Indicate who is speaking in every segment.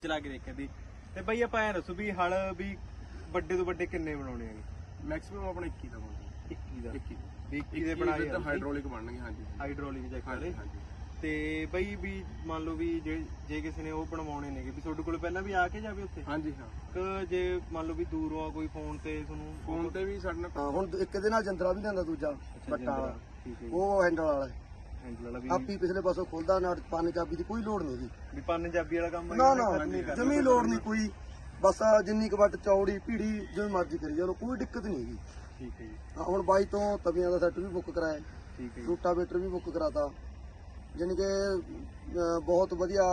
Speaker 1: ਚਲਾ ਕੇ ਦੇਖਿਆ ਸੀ ਤੇ ਬਾਈ ਆਪਾਂ ਐ ਦੱਸੋ ਵੀ ਹਲ ਵੀ ਵੱਡੇ ਤੋਂ ਵੱਡੇ ਕਿੰਨੇ ਬਣਾਉਣੇ ਹੈਗੇ?
Speaker 2: ਮੈਕਸਿਮਮ ਆਪਣਾ 21 ਦਾ ਬਣਦਾ
Speaker 1: 21 ਦਾ
Speaker 2: 21
Speaker 1: ਵੀ 21 ਦੇ ਬਣਾਏ
Speaker 2: ਤਾਂ ਹਾਈਡ੍ਰੋਲਿਕ ਬਣਨਗੇ। ਹਾਂਜੀ
Speaker 1: ਹਾਈਡ੍ਰੋਲਿਕ ਚੈੱਕ ਵਾਲੇ।
Speaker 2: ਹਾਂਜੀ
Speaker 1: ਤੇ ਬਾਈ ਵੀ ਮੰਨ ਲਓ ਵੀ ਜੇ ਕਿਸੇ ਨੇ ਉਹ ਬਣਵਾਉਣੇ ਨੇਗੇ ਵੀ ਤੁਹਾਡੇ ਕੋਲ ਪਹਿਲਾਂ ਵੀ ਆ ਕੇ ਜਾਵੇ ਉੱਥੇ?
Speaker 2: ਹਾਂਜੀ ਹਾਂ।
Speaker 1: ਕਿ ਜੇ ਮੰਨ ਲਓ ਵੀ ਦੂਰੋਂ ਆ ਕੋਈ ਫੋਨ ਤੇ ਤੁਹਾਨੂੰ
Speaker 2: ਫੋਨ ਤੇ ਵੀ ਸਾਡੇ ਨਾਲ
Speaker 3: ਹੁਣ ਇੱਕ ਦੇ ਨਾਲ ਜੰਦਰਾ ਵੀ ਲਿਆਂਦਾ ਦੂਜਾ ਪੱਟਾ ਵਾਲਾ,
Speaker 1: ਠੀਕ ਹੈ ਜੀ,
Speaker 3: ਉਹ ਹੈਂਡਲ ਵਾਲਾ
Speaker 1: ਹੈਂਡਲ ਵਾਲਾ ਵੀ
Speaker 3: ਆਪੀ ਪਿਛਲੇ ਪਾਸੋਂ ਖੁੱਲਦਾ ਨਾ, ਪਾਣੀ ਚਾਬੀ ਦੀ ਕੋਈ ਲੋੜ ਨਹੀਂ ਜੀ।
Speaker 1: ਵੀ ਪੰਜਾਬੀ ਵਾਲਾ ਕੰਮ
Speaker 3: ਨਾ ਨਾ ਜਮੀ ਲੋੜ ਨਹੀਂ ਕੋਈ, ਬਸ ਜਿੰਨੀ ਕੁ ਵੱਟ ਚੌੜੀ ਭੀੜੀ ਜਿਵੇਂ ਮਰਜ਼ੀ ਕਰੀ ਜਾਓ, ਕੋਈ ਦਿੱਕਤ ਨਹੀਂ ਹੈਗੀ।
Speaker 1: ਠੀਕ ਹੈ ਜੀ,
Speaker 3: ਹੁਣ ਬਾਈ ਤੋਂ ਤਵੀਆਂ ਦਾ ਸੈੱਟ ਵੀ ਬੁੱਕ ਕਰਾਇਆ,
Speaker 1: ਠੀਕ ਹੈ ਜੀ।
Speaker 3: ਰੂਟਾਵੇਟਰ ਵੀ ਬੁੱਕ ਕਰਾਤਾ, ਜਾਣੀ ਕਿ ਬਹੁਤ ਵਧੀਆ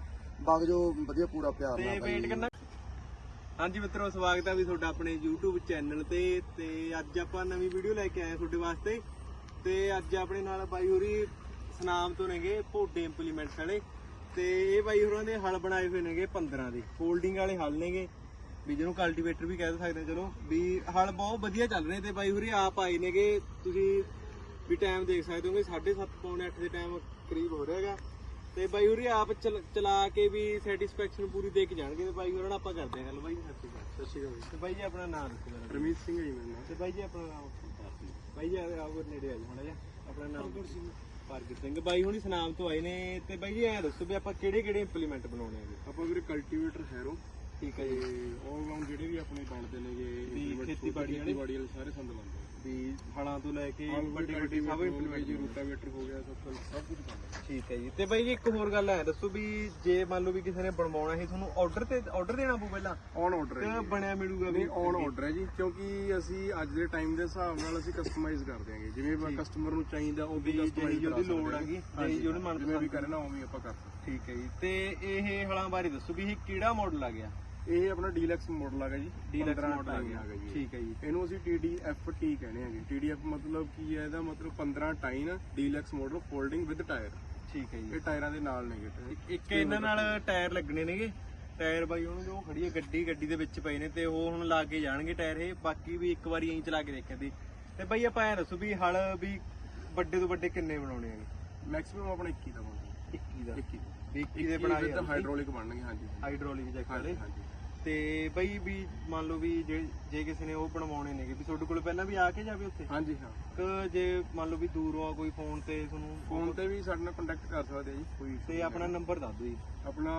Speaker 3: ਬਾਗ ਜੋ ਵਧੀਆ ਪੂਰਾ ਪਿਆਰ
Speaker 1: ਤੇ
Speaker 3: ਨਾਲ
Speaker 1: ਵੇਟ ਕਰਨਾ। ਹਾਂਜੀ ਮਿੱਤਰੋ, ਸਵਾਗਤ ਹੈ ਵੀ ਤੁਹਾਡਾ ਆਪਣੇ YouTube ਚੈਨਲ ਤੇ ਅੱਜ ਆਪਾਂ ਨਵੀਂ ਵੀਡੀਓ ਲੈ ਕੇ ਆਏ ਤੁਹਾਡੇ ਵਾਸਤੇ। ਤੇ ਅੱਜ ਆਪਣੇ ਨਾਲ ਬਾਈ ਹੋਰੀ ਸਨਾਮ ਤੋਂ ਨੇਗੇ ਭੋਡੇ ਇੰਪਲੀਮੈਂਟਸ ਵਾਲੇ, ਤੇ ਇਹ ਬਾਈ ਹੋਰਾਂ ਦੇ ਹਲ ਬਣਾਏ ਹੋਏ ਨੇਗੇ 15 ਦੇ ਫੋਲਡਿੰਗ ਵਾਲੇ ਹਲ ਨੇਗੇ, ਵੀ ਜਿਹਨੂੰ ਕਲਟੀਵੇਟਰ ਵੀ ਕਹਿ ਸਕਦੇ ਚਲੋ। ਵੀ ਹਲ ਬਹੁਤ ਵਧੀਆ ਚੱਲ ਰਹੇ ਤੇ ਬਾਈ ਹੋਰੀ ਆਪ ਆਏ ਨੇਗੇ। ਤੁਸੀਂ ਵੀ ਟਾਈਮ ਦੇਖ ਸਕਦੇ ਹੋਗੇ 7:30 ਪੌਣੇ 8 ਦੇ ਟਾਈਮ ਕਰੀਬ ਹੋ ਰਿਹਾ ਹੈਗਾ। ਤੇ ਬਾਈ ਹੋਰੀ ਆਪ ਚਲਾ ਕੇ ਵੀ ਸੈਟੀਸਫੈਕਸ਼ਨ ਪੂਰੀ ਦੇ ਕੇ ਜਾਣਗੇ। ਤੇ ਬਾਈ ਹੋਰਾਂ ਨਾਲ ਆਪਾਂ ਕਰਦੇ ਹਾਂ ਗੱਲ। ਬਾਈ ਸਤਿ ਸ਼੍ਰੀ ਅਕਾਲ। ਤੇ ਬਾਈ ਜੀ ਆਪਣਾ ਨਾਮ ਦੱਸੋ ਜਰਾ।
Speaker 2: ਰਮੀਤ ਸਿੰਘ ਹੈ ਜੀ ਮੇਰਾ ਨਾਮ।
Speaker 1: ਤੇ ਬਾਈ ਜੀ ਆਪਣਾ ਨਾਮ ਬਾਈ ਜੀ ਆਓ ਨੇੜੇ ਆ ਜੀ ਮਾੜਾ ਜਿਹਾ। ਆਪਣਾ ਨਾਮ ਪ੍ਰਗਟ ਸਿੰਘ। ਬਾਈ ਹੁਣੀ ਸਨਾਮ ਤੋਂ ਆਏ ਨੇ। ਤੇ ਬਾਈ ਜੀ ਐਂ ਦੱਸੋ ਵੀ ਆਪਾਂ ਕਿਹੜੇ ਕਿਹੜੇ ਇੰਪਲੀਮੈਂਟ ਬਣਾਉਣੇ ਹੈਗੇ?
Speaker 2: ਆਪਾਂ ਵੀਰੇ ਕਲਟੀਵੇਟਰ ਹੈਰੋ
Speaker 1: ਠੀਕ ਹੈ
Speaker 2: ਤੇ
Speaker 1: ਜੀ।
Speaker 2: ਆਲ ਰਾਉਂਡ ਜਿਹੜੇ ਵੀ ਆਪਣੇ ਬਣਦੇ ਨੇਗੇ
Speaker 1: ਵੀ ਖੇਤੀਬਾੜੀ
Speaker 2: ਵਾਲੇ ਸਾਰੇ ਸੰਦ ਲਾਉਂਦੇ
Speaker 1: ਵੀ ਹਲਾਂ ਤੋਂ ਲੈ ਕੇ
Speaker 2: ਵੱਡੇ
Speaker 1: ਵੱਡੇ ਸਭ ਇੰਪਲੀਮੈਂਟ
Speaker 2: ਜੀ, ਰੂਟਾਵੇਟਰ ਹੋ ਗਿਆ, ਸਭ ਕੁਝ ਬਣਦਾ।
Speaker 1: ਠੀਕ ਹੈ ਜੀ। ਤੇ ਬਾਈ ਜੀ ਇੱਕ ਹੋਰ ਗੱਲ ਹੈ, ਦੱਸੋ ਵੀ ਜੇ ਮੰਨ ਲਓ ਵੀ ਕਿਸੇ ਨੇ ਬਣਵਾਉਣਾ ਹੈ ਤੁਹਾਨੂੰ ਆਰਡਰ ਦੇਣਾ ਪਊ ਪਹਿਲਾਂ?
Speaker 2: ਔਨ ਆਰਡਰ ਹੈ
Speaker 1: ਤੇ ਬਣਿਆ ਮਿਲੂਗਾ?
Speaker 2: ਨਹੀਂ, ਔਨ ਆਰਡਰ ਹੈ ਜੀ, ਕਿਉਂਕਿ ਅਸੀਂ ਅੱਜ ਦੇ ਟਾਈਮ ਦੇ ਹਿਸਾਬ ਨਾਲ ਅਸੀਂ ਕਸਟਮਾਈਜ਼ ਕਰ ਦਿਆਂਗੇ। ਜਿਵੇਂ ਕਸਟਮਰ ਨੂੰ ਚਾਹੀਦਾ ਉਹ ਵੀ ਕਸਟਮਾਈਜ਼
Speaker 1: ਜਿਹੜੀ ਲੋੜ ਹੈਗੀ, ਜਿਹੜੀ ਮਨ
Speaker 2: ਜਿਵੇਂ ਵੀ ਕਰਨਾ ਉਵੇਂ ਆਪਾਂ ਕਰ ਸਕਦੇ।
Speaker 1: ਠੀਕ ਹੈ ਜੀ। ਤੇ ਇਹ ਹਲਾਂ ਬਾਰੇ ਦੱਸੋ ਵੀ ਇਹ ਕਿਹੜਾ ਮਾਡਲ ਆ ਗਿਆ?
Speaker 2: ਇਹ ਆਪਣਾ ਡੀਲੈਕਸ ਮਾਡਲ ਹੈਗਾ ਜੀ,
Speaker 1: ਡੀਲੈਕਸ ਮਾਡਲ ਆ
Speaker 2: ਗਿਆ
Speaker 1: ਗਿਆ।
Speaker 2: ਜੀ।
Speaker 1: ਠੀਕ ਹੈ ਜੀ।
Speaker 2: ਇਹਨੂੰ ਅਸੀਂ TDFT ਕਹਿੰਦੇ ਆਂਗੇ। TDF ਮਤਲਬ ਕੀ ਹੈ? ਇਹਦਾ ਮਤਲਬ 15 ਟਾਈਨ deluxe model folding with tyre.
Speaker 1: ਠੀਕ ਹੈ ਜੀ।
Speaker 2: ਇਹ ਟਾਇਰਾਂ ਦੇ ਨਾਲ ਨੇਗੇ।
Speaker 1: ਇੱਕ ਇਹਨਾਂ ਨਾਲ ਟਾਇਰ ਲੱਗਣੇ ਨੇਗੇ। ਟਾਇਰ ਬਾਈ ਉਹਨੂੰ ਜੋ ਖੜੀ ਹੈ ਗੱਡੀ ਦੇ ਵਿੱਚ ਪਏ ਨੇ ਤੇ ਉਹ ਹੁਣ ਲਾ ਕੇ ਜਾਣਗੇ ਟਾਇਰ ਇਹ। ਬਾਕੀ ਵੀ ਇੱਕ ਵਾਰੀ ਐਂ ਚਲਾ ਕੇ ਦੇਖਿਆ ਸੀ। ਤੇ ਬਾਈ ਆਪਾਂ ਐ ਦੱਸੋ ਵੀ ਹਲ ਵੀ ਵੱਡੇ ਤੋਂ ਵੱਡੇ ਕਿੰਨੇ ਬਣਾਉਣੇ ਹੈਗੇ?
Speaker 2: ਮੈਕਸਿਮਮ ਆਪਣਾ 21 ਦਾ ਬਣਦਾ
Speaker 1: 21 ਦਾ
Speaker 2: 21
Speaker 1: ਵੀ 21 ਦੇ ਬਣਾਏ
Speaker 2: ਤਾਂ ਹਾਈਡ੍ਰੋਲਿਕ ਬਣਨਗੇ। ਹਾਂਜੀ
Speaker 1: ਹਾਈਡ੍ਰੋਲਿਕ ਚੈੱਕ ਵਾਲੇ।
Speaker 2: ਹਾਂਜੀ।
Speaker 1: ਤੇ ਬਾਈ ਵੀ ਮੰਨ ਲਓ ਵੀ ਜੇ ਕਿਸੇ ਨੇ ਉਹ ਬਣਵਾਉਣੇ ਨੇਗੇ ਵੀ ਤੁਹਾਡੇ ਕੋਲ ਪਹਿਲਾਂ ਵੀ ਆ ਕੇ ਜਾਵੇ ਉੱਥੇ?
Speaker 2: ਹਾਂਜੀ ਹਾਂ।
Speaker 1: ਕਿ ਜੇ ਮੰਨ ਲਓ ਵੀ ਦੂਰੋਂ ਆ ਕੋਈ ਫੋਨ ਤੇ ਤੁਹਾਨੂੰ
Speaker 2: ਫੋਨ ਤੇ ਵੀ ਸਾਡੇ ਨਾਲ ਕੰਟੈਕਟ ਕਰ ਸਕਦੇ ਆ ਜੀ, ਕੋਈ issue
Speaker 1: ਤੇ ਆਪਣਾ ਨੰਬਰ ਦੱਸ ਦਿਓ ਜੀ।
Speaker 2: ਆਪਣਾ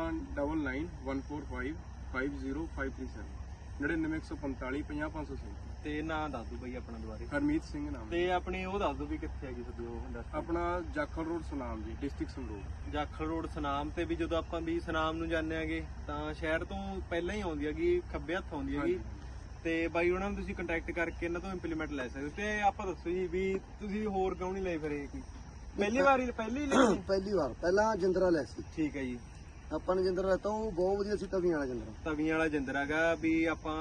Speaker 2: 9914550537 99145 50537
Speaker 1: ਤੇ ਨਾਂ ਦੱਸ ਦਿਓ ਬਾਈ ਆਪਣਾ ਦੁਬਾਰੇ।
Speaker 2: ਹਰਮੀਤ ਸਿੰਘ ਨਾਮ
Speaker 1: ਤੇ ਆਪਣੀ ਉਹ ਦੱਸ ਦਿਓ ਵੀ ਕਿੱਥੇ ਹੈਗੀ ਤੁਹਾਡੀ ਉਹ ਇੰਡਸਟਰੀ?
Speaker 2: ਆਪਣਾ Jakhal road Sunam ji, district Sangrur.
Speaker 1: Jakhal road Sunam. ਤੇ ਵੀ ਜਦੋਂ ਆਪਾਂ ਵੀ ਸਨਾਮ ਨੂੰ ਜਾਂਦੇ ਆਗੇ ਤਾਂ ਸ਼ਹਿਰ ਤੋਂ ਪਹਿਲਾਂ ਹੀ ਆਉਂਦੀ ਹੈਗੀ, ਖੱਬੇ ਹੱਥ ਆਉਂਦੀ ਹੈਗੀ। ਤੇ ਬਾਈ ਉਹਨਾਂ ਨੂੰ ਤੁਸੀਂ ਕੰਟੈਕਟ ਕਰਕੇ ਇਹਨਾਂ ਤੋਂ ਇੰਪਲੀਮੈਂਟ ਲੈ ਸਕਦੇ ਹੋ। ਤੇ ਆਪਾਂ ਦੱਸੋ ਜੀ ਵੀ ਤੁਸੀਂ ਹੋਰ ਕਿਉਂ ਨਹੀਂ ਲਏ ਫਿਰ ਇਹ? ਕੋਈ ਪਹਿਲੀ ਵਾਰ ਲਈ
Speaker 3: ਪਹਿਲੀ ਵਾਰ ਪਹਿਲਾਂ ਜਿੰਦਰਾ ਲੈ ਸੀ
Speaker 1: ਠੀਕ ਹੈ ਜੀ।
Speaker 3: ਆਪਾਂ ਨੇ ਜਿੰਦਰਾ ਲੈਤਾ, ਉਹ ਬਹੁਤ ਵਧੀਆ ਸੀ ਤਵੀਆਂ ਵਾਲਾ ਜਿੰਦਰਾ।
Speaker 1: ਤਵੀਆਂ ਵਾਲਾ ਜਿੰਦਰਾ ਹੈਗਾ ਵੀ ਆਪਾਂ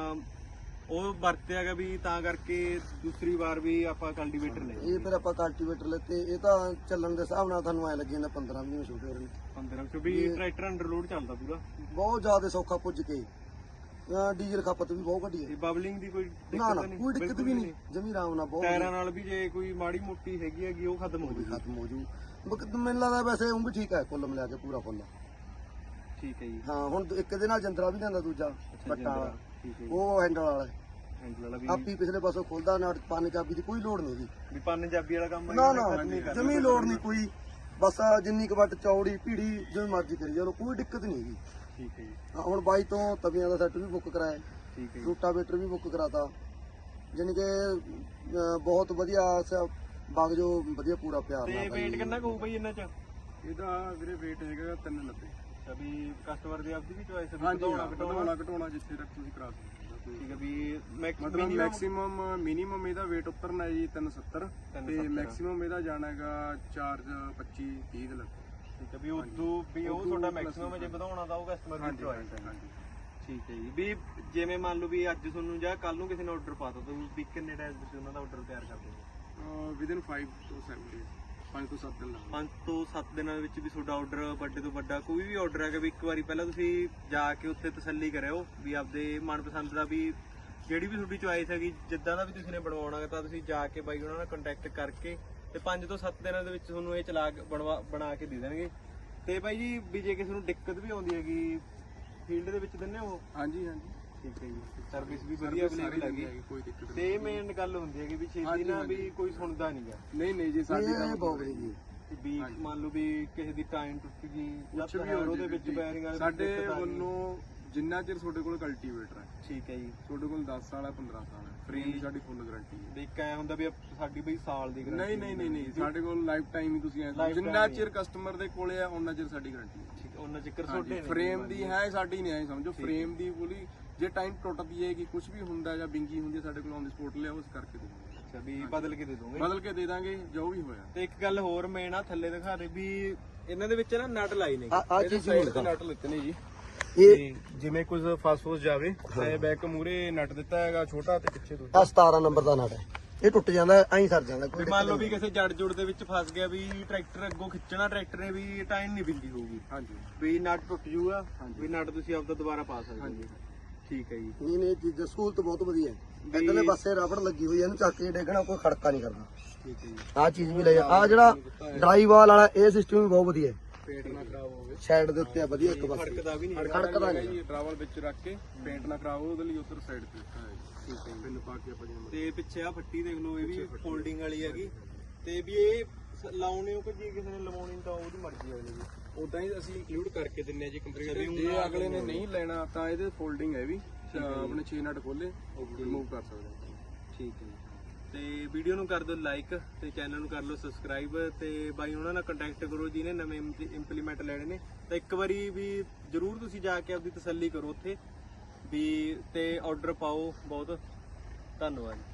Speaker 1: ਉਹ ਵਰਤਿਆਗਾ ਵੀ ਤਾਂ ਕਰਕੇ ਦੂਸਰੀ ਵਾਰ ਵੀ ਆਪਾਂ ਕਲਟੀਵੇਟਰ ਲਏ।
Speaker 3: ਇਹ ਫਿਰ ਆਪਾਂ ਕਲਟੀਵੇਟਰ ਲੈਤੇ। ਇਹ ਤਾਂ ਚੱਲਣ ਦੇ ਹਿਸਾਬ ਨਾਲ ਤੁਹਾਨੂੰ ਐ ਲੱਗੀ ਜਾਂਦਾ 15 20 ਛੋਟੇ ਹੋ ਰਹੇ ਨੇ।
Speaker 1: 15 ਵੀ ਟਰੈਕਟਰ ਅੰਡਰਲੋਡ ਚੱਲਦਾ ਪੂਰਾ,
Speaker 3: ਬਹੁਤ ਜ਼ਿਆਦਾ ਸੌਖਾ ਪੁੱਜ ਕੇ। ਡੀਜ਼ਲ ਖਪਤ ਵੀ ਬਹੁਤ ਘਟੀ ਹੈ।
Speaker 1: ਬਬਲਿੰਗ ਦੀ ਕੋਈ
Speaker 3: ਨਾ
Speaker 1: ਦਿੱਕਤ
Speaker 3: ਨਾ
Speaker 1: ਨਹੀਂ?
Speaker 3: ਕੋਈ ਦਿੱਕਤ ਵੀ ਨਹੀਂ, ਜਮੀ ਆਰਾਮ ਨਾਲ ਬਹੁਤ
Speaker 1: ਟਾਇਰਾਂ ਨਾਲ ਵੀ ਜੇ ਕੋਈ ਮਾੜੀ ਮੋਟੀ ਹੈਗੀ ਉਹ ਖਤਮ ਹੋ ਜੂਗੀ।
Speaker 3: ਖਤਮ ਹੋ ਜੂ। ਮੈਨੂੰ ਲੱਗਦਾ ਵੈਸੇ ਉਹ ਵੀ ਠੀਕ ਹੈ, ਕੁੱਲ ਮਿਲਾ ਕੇ ਪੂਰਾ ਫੁੱਲ।
Speaker 1: ਠੀਕ ਹੈ ਜੀ।
Speaker 3: ਹਾਂ ਹੁਣ ਇੱਕ ਦੇ ਨਾਲ ਜੰਦਰਾ ਵੀ ਲਿਆਂਦਾ ਦੂਜਾ ਪੱਟਾ ਵਾਲਾ,
Speaker 1: ਠੀਕ ਹੈ ਜੀ।
Speaker 3: ਉਹ ਹੈਂਡਲ ਵਾਲਾ
Speaker 1: ਹੈਂਡਲ ਵਾਲਾ ਵੀ
Speaker 3: ਆਪੀ ਪਿਛਲੇ ਪਾਸੋਂ ਖੁੱਲਦਾ ਨਾ, ਪਾਣੀ ਚਾਬੀ ਦੀ ਕੋਈ ਲੋੜ ਨਹੀਂ ਜੀ।
Speaker 1: ਵੀ ਪੰਜਾਬੀ ਵਾਲਾ ਕੰਮ
Speaker 3: ਨਾ ਨਾ ਜਮੀ ਲੋੜ ਨਹੀਂ ਕੋਈ, ਬਸ ਜਿੰਨੀ ਕੁ ਵੱਟ ਚੌੜੀ ਭੀੜੀ ਜਿਵੇਂ ਮਰਜ਼ੀ ਕਰੀ ਜਾਓ, ਕੋਈ ਦਿੱਕਤ ਨਹੀਂ ਹੈਗੀ।
Speaker 1: ਠੀਕ ਹੈ ਜੀ।
Speaker 3: ਹੁਣ ਬਾਈ ਤੋਂ ਤਵੀਆਂ ਦਾ ਸੈੱਟ ਵੀ ਬੁੱਕ ਕਰਾਇਆ,
Speaker 1: ਠੀਕ ਹੈ ਜੀ।
Speaker 3: ਰੂਟਾਵੇਟਰ ਵੀ ਬੁੱਕ ਕਰਾਤਾ, ਜਾਣੀ ਕਿ ਬਹੁਤ ਵਧੀਆ ਬਾਗ ਜੋ ਵਧੀਆ ਪੂਰਾ ਪਿਆਰ
Speaker 1: ਤੇ
Speaker 3: ਨਾਲ।
Speaker 1: ਵੇਟ ਕਿੰਨਾ ਕਹੂ ਬਈ ਇਹਨਾਂ ਚ?
Speaker 2: ਇਹਦਾ ਵੀਰੇ weight ਹੈਗਾ 390।
Speaker 1: ਅੱਛਾ ਵੀ ਕਸਟਮਰ ਦੀ ਆਪਦੀ ਵੀ ਚੋਇਸ ਹੈ,
Speaker 2: ਹਾਂਜੀ
Speaker 1: ਘਟਾਉਣਾ
Speaker 2: ਘਟਾਉਣਾ ਜਿੱਥੇ ਤੱਕ ਤੁਸੀਂ ਕਰਾ ਸਕਦੇ ਹੋ।
Speaker 1: ਠੀਕ ਹੈ ਵੀ
Speaker 2: ਮਤਲਬ ਮਿਨੀਮਮ ਇਹਦਾ weight ਉਤਰਨਾ ਹੈ ਜੀ 370 ਤੇ ਮੈਕਸਿਮਮ ਇਹਦਾ ਜਾਣਾ ਹੈਗਾ ਚਾਰਜ 25 30 ਦੇ ਲੱਗ।
Speaker 1: ਠੀਕ ਹੈ ਵੀ ਉਦੋਂ ਵੀ ਉਹ ਤੁਹਾਡਾ ਮੈਕਸਿਮਮ ਜੇ ਵਧਾਉਣਾ ਤਾਂ ਉਹ ਕਸਟਮਰ ਦੀ ਚੋਇਸ ਹੈ। ਠੀਕ ਹੈ ਜੀ। ਵੀ ਜਿਵੇਂ ਮੰਨ ਲਓ ਵੀ ਅੱਜ ਤੁਹਾਨੂੰ ਜਾਂ ਕੱਲ ਨੂੰ ਕਿਸੇ ਨੇ ਆਰਡਰ ਪਾਤਾ ਤਾਂ ਵੀ ਕਿੰਨੇ ਟਾਈਮ ਤੁਸੀਂ ਉਹਨਾਂ ਦਾ ਆਰਡਰ ਤਿਆਰ ਕਰ ਦੋਗੇ?
Speaker 2: ਵਿਦਿਨ 5 to 7 days, 5 ਤੋਂ 7 ਦਿਨ ਲੱਗਦੇ।
Speaker 1: 5 ਤੋਂ 7 ਦਿਨਾਂ ਦੇ ਵਿੱਚ ਵੀ ਤੁਹਾਡਾ ਆਰਡਰ ਵੱਡੇ ਤੋਂ ਵੱਡਾ ਕੋਈ ਵੀ ਆਰਡਰ ਹੈਗਾ ਵੀ ਇੱਕ ਵਾਰੀ ਪਹਿਲਾਂ ਤੁਸੀਂ ਜਾ ਕੇ ਉੱਥੇ ਤਸੱਲੀ ਕਰਿਓ ਵੀ ਆਪਦੇ ਮਨਪਸੰਦ ਦਾ ਵੀ ਜਿਹੜੀ ਵੀ ਤੁਹਾਡੀ ਚੁਆਇਸ ਹੈਗੀ, ਜਿੱਦਾਂ ਦਾ ਵੀ ਤੁਸੀਂ ਨੇ ਬਣਵਾਉਣਾ ਤਾਂ ਤੁਸੀਂ ਜਾ ਕੇ ਬਾਈ ਉਹਨਾਂ ਨਾਲ ਕੰਟੈਕਟ ਕਰਕੇ ਤੇ 5 ਤੋਂ 7 ਦਿਨਾਂ ਦੇ ਵਿੱਚ ਤੁਹਾਨੂੰ ਇਹ ਚਲਾ ਬਣਾ ਕੇ ਦੇ ਦੇਣਗੇ। ਤੇ ਬਾਈ ਜੀ ਵੀ ਜੇ ਕਿਸੇ ਨੂੰ ਦਿੱਕਤ ਵੀ ਆਉਂਦੀ ਹੈਗੀ ਫੀਲਡ ਦੇ ਵਿੱਚ ਦਿੰਦੇ ਹੋ ਉਹ?
Speaker 2: ਹਾਂਜੀ ਹਾਂਜੀ
Speaker 1: ਠੀਕ ਹੈ ਜੀ, ਸਰਵਿਸ ਵੀ ਵਧੀਆ ਅਵੇਲੇਬਲ ਹੈਗੀ।
Speaker 2: ਕੋਈ ਦਿੱਕਤ
Speaker 1: ਤੇ ਮੇਨ ਗੱਲ ਹੁੰਦੀ ਹੈ ਕਿ ਵੀ ਛੇਤੀ ਨਾ ਵੀ ਕੋਈ ਸੁਣਦਾ ਨਹੀਂਗਾ।
Speaker 2: ਨਹੀਂ ਜੀ ਸਾਡੀ ਤਾਂ
Speaker 3: ਬਹੁਤ ਵਧੀਆ ਜੀ।
Speaker 1: ਵੀ ਮੰਨ ਲਓ ਵੀ ਕਿਸੇ ਦੀ ਟਾਈਮ ਟੁੱਟ ਗਈ ਜਾਂ
Speaker 2: ਕੁਛ ਵੀ
Speaker 1: ਤਾਂ
Speaker 2: ਹੋ
Speaker 1: ਉਹਦੇ
Speaker 2: ਜਾਵੇ
Speaker 1: ਵਿੱਚ
Speaker 2: ਜੀ।
Speaker 1: ਬੈਰਿੰਗ ਵਾਲੇ
Speaker 2: ਸਾਡੇ ਵੱਲੋਂ ਜਿੰਨਾ ਚਿਰ ਤੁਹਾਡੇ ਕੋਲ ਕਲਟੀਵੇਟਰ ਹੈ,
Speaker 1: ਠੀਕ ਹੈ ਜੀ,
Speaker 2: ਤੁਹਾਡੇ ਕੋਲ 10 ਸਾਲ ਹੈ 15 ਸਾਲ ਹੈ, ਫਰੇਮ ਦੀ ਸਾਡੀ ਫੁੱਲ ਗਾਰੰਟੀ ਹੈ।
Speaker 1: ਵੀ ਇੱਕ ਐ ਹੁੰਦਾ ਵੀ ਸਾਡੀ ਬਈ ਸਾਲ ਦੀ guarantee
Speaker 2: ਨਹੀਂ ਸਾਡੇ ਕੋਲ ਲਾਈਫ ਟਾਈਮ ਹੀ ਤੁਸੀਂ ਐਂ ਜਿੰਨਾ ਚਿਰ ਕਸਟਮਰ ਦੇ ਕੋਲੇ ਆ ਉਹਨਾਂ ਚਿਰ ਸਾਡੀ ਗਾਰੰਟੀ ਹੈ।
Speaker 1: ਠੀਕ ਹੈ, ਉਹਨਾਂ ਚੱਕਰ ਛੋਟੇ ਨੇ।
Speaker 2: ਫਰੇਮ ਦੀ ਹੈ ਸਾਡੀ ਨਹੀਂ, ਐ ਸਮਝੋ ਫਰੇਮ ਦੀ ਪੂਰੀ ਜੇ ਟਾਈਮ ਟੁੱਟਦੀ ਹੈ ਕਿ ਕੁਝ ਵੀ ਹੁੰਦਾ ਜਾਂ ਬਿੰਗੀ ਹੁੰਦੀ ਹੈ ਸਾਡੇ ਕੋਲ ਔਨ ਦੀ ਸਪੋਟ ਲਿਆਓ, ਉਸ ਕਰਕੇ ਦੇ ਦਾਂਗੇ।
Speaker 1: ਅੱਛਾ, ਵੀ ਬਦਲ ਕੇ ਦੇ ਦੋਗੇ?
Speaker 2: ਬਦਲ ਕੇ ਦੇ ਦਾਂਗੇ ਜੋ ਵੀ ਹੋਇਆ।
Speaker 1: ਤੇ ਇੱਕ ਗੱਲ ਹੋਰ ਮੇਨ ਆ ਥੱਲੇ ਦਿਖਾ ਦੇ ਵੀ ਇਹਨਾਂ ਦੇ ਵਿੱਚ ਨਾ ਨਟ ਲਾਈ ਨੇ।
Speaker 3: ਆ ਚੀਜ਼ ਨੂੰ ਦਿਖਾ।
Speaker 2: ਨਟ ਲਿੱਤੇ ਨੇ ਜੀ,
Speaker 3: ਇਹ
Speaker 2: ਜਿਵੇਂ ਕੁਝ ਫਾਸਫੋਸ ਜਾਵੇ ਤੇ ਬੈਕ ਮੂਰੇ ਨਟ ਦਿੱਤਾ ਹੈਗਾ ਛੋਟਾ ਤੇ ਪਿੱਛੇ ਦੂਜਾ।
Speaker 3: ਆ 17 ਨੰਬਰ ਦਾ ਨਟ ਹੈ, ਇਹ ਟੁੱਟ ਜਾਂਦਾ ਐਂ ਸਰ ਜਾਂਦਾ ਕੋਈ।
Speaker 1: ਮੰਨ ਲਓ ਵੀ ਕਿਸੇ ਜੜ ਜੁੜ ਦੇ ਵਿੱਚ ਫਸ ਗਿਆ ਵੀ ਟਰੈਕਟਰ ਅੱਗੋਂ ਖਿੱਚਣਾ, ਟਰੈਕਟਰ ਨੇ ਵੀ ਟਾਈਮ ਨਹੀਂ ਬਿੰਗੀ ਹੋਊਗੀ,
Speaker 2: ਹਾਂਜੀ
Speaker 1: ਵੀ ਨਟ ਟੁੱਟ ਜੂਗਾ, ਵੀ ਨਟ ਤੁਸੀਂ ਆਪਦਾ ਦੁਬਾਰਾ ਪਾ ਸਕਦੇ ਹੋ। ਠੀਕ ਹੈ ਜੀ।
Speaker 3: ਨਹੀਂ ਚੀਜ਼ ਸਹੂਲਤ ਬਹੁਤ ਵਧੀਆ ਹੈ। ਇਧਰਲੇ ਪਾਸੇ ਰਬੜ ਲੱਗੀ ਹੋਈ ਹੈ, ਇਹਨੂੰ ਚੱਕ ਕੇ ਡੇਗਣਾ ਕੋਈ ਖੜਕਾ ਨਹੀਂ ਕਰਦਾ।
Speaker 1: ਠੀਕ ਹੈ ਜੀ।
Speaker 3: ਆ ਚੀਜ਼ ਵੀ ਲੈ ਜਾ। ਆ ਜਿਹੜਾ ਡਰਾਈ ਵਾਲ ਵਾਲਾ ਇਹ ਸਿਸਟਮ ਵੀ ਬਹੁਤ ਵਧੀਆ ਹੈ।
Speaker 2: ਪੇਂਟ ਨਾ ਖਰਾਬ ਹੋਵੇ,
Speaker 3: ਸਾਈਡ ਦੇ ਉੱਤੇ ਆ ਵਧੀਆ ਇੱਕ ਪਾਸੇ
Speaker 1: ਖੜਕਦਾ ਵੀ ਨਹੀਂ।
Speaker 3: ਖੜਕਦਾ ਨਹੀਂ
Speaker 2: ਜੀ। ਟਰਾਵਲ ਵਿੱਚ ਰੱਖ ਕੇ ਪੇਂਟ ਨਾ ਖਰਾਬ ਹੋਵੇ ਉਹਦੇ ਲਈ ਉਧਰ ਸਾਈਡ ਤੇ ਦਿੱਤਾ ਹੈ।
Speaker 1: ਠੀਕ ਹੈ ਜੀ।
Speaker 2: ਪਿੰਨ ਪਾ ਕੇ ਆਪਾਂ ਜਿਵੇਂ
Speaker 1: ਤੇ ਪਿੱਛੇ ਆ ਫੱਟੀ ਦੇਖ ਲਓ, ਇਹ ਵੀ ਫੋਲਡਿੰਗ ਵਾਲੀ ਹੈਗੀ। ਤੇ ਵੀ ਇਹ ਲਾਉਣੇ ਹੋ ਕਿ ਜੇ ਕਿਸੇ ਨੇ ਲਵਾਉਣੀ ਤਾਂ ਉਹਦੀ ਮਰਜ਼ੀ ਹੈ ਜੀ।
Speaker 2: ਉਦਾਂ ਹੀ ਅਸੀਂ ਇੰਕਲੂਡ ਕਰਕੇ ਦਿੰਨੇ ਆ ਜੀ ਕੰਪਲੀਟ। ਜੇ ਅਗਲੇ ਨੇ ਨਹੀਂ ਲੈਣਾ ਤਾਂ ਇਹਦੇ ਫੋਲਡਿੰਗ ਹੈ ਵੀ, ਆਪਣੇ 6 ਨਟ ਖੋਲੇ ਰਿਮੂਵ ਕਰ ਸਕਦੇ।
Speaker 1: ਠੀਕ ਹੈ ਜੀ। ਤੇ ਵੀਡੀਓ ਨੂੰ ਕਰ ਦਿਓ ਲਾਈਕ ਤੇ ਚੈਨਲ ਨੂੰ ਕਰ ਲਓ ਸਬਸਕ੍ਰਾਈਬ ਤੇ ਬਾਈ ਉਹਨਾਂ ਨਾਲ ਕੰਟੈਕਟ ਕਰੋ ਜਿਹਨੇ ਨਵੇਂ ਇੰਪਲੀਮੈਂਟ ਲੈਣੇ ਨੇ। ਤਾਂ ਇੱਕ ਵਾਰੀ ਵੀ ਜਰੂਰ ਤੁਸੀਂ ਜਾ ਕੇ ਆਪਦੀ ਤਸੱਲੀ ਕਰੋ ਉੱਥੇ ਵੀ, ਤੇ ਆਰਡਰ ਪਾਓ। ਬਹੁਤ ਧੰਨਵਾਦ।